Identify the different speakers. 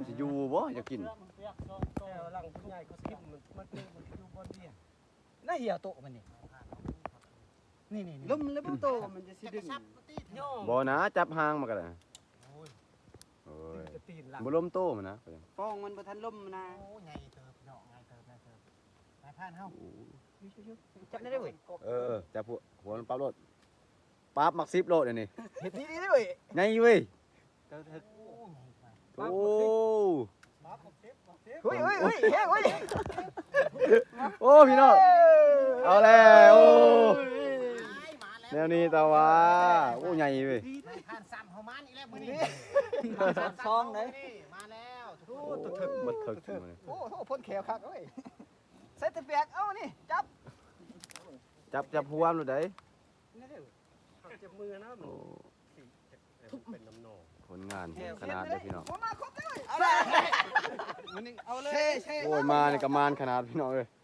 Speaker 1: สิอยู่บ่อยากกิน
Speaker 2: หลังผู้ใหญ่เขาคิดมันอยู่บนเดียน่าเหี่ยวโตมันนี่
Speaker 3: ล้มแล้วบ่โตมันจะสิดึง
Speaker 1: บ่นะจับหางมาก็ได้โอ้ย
Speaker 2: จะตีนหลัง
Speaker 1: บ่ล้มโตมันนะ
Speaker 3: ฟองมันบ่ทันล้มนะ
Speaker 2: โอ้ใหญ่เติบเนาะใหญ่เติบนายผ่านเฮา
Speaker 3: จับได้เว้ย
Speaker 1: จับหัวมันปั๊บโลดปั๊บมัก10โลดอันนี้
Speaker 2: เฮ็ดนี่เว้ย
Speaker 1: ไงเว้ย
Speaker 3: เติบถึก
Speaker 1: โอ้
Speaker 2: เฮ้ยเฮ้ย
Speaker 1: โอ้พี่น้องเอาแล้วโอ้แนวนี้ตาว่าโอ้ใหญ่เว้ย
Speaker 2: ผ่านซ้ำเฮามันอีกแล้วมื้อนี้
Speaker 3: ซองเด้
Speaker 2: มาแล้ว
Speaker 1: โอ้ถึกมันถึกขึ้นมาเลย
Speaker 2: โอ้โหพ่นแขวคักเว้ยใส่ตะเปียกเอ้านี่จับ
Speaker 1: จับหัวมันเลยได้
Speaker 2: จับมือนะ
Speaker 1: โอ้
Speaker 2: เป็นน้ำนอง
Speaker 1: ผลงานขนาดเลยพี่น้อง
Speaker 2: มาครบเลยเอาเลยมันเอาเลย
Speaker 1: โอ้ยมาในกระมานขนาดพี่น้องเลย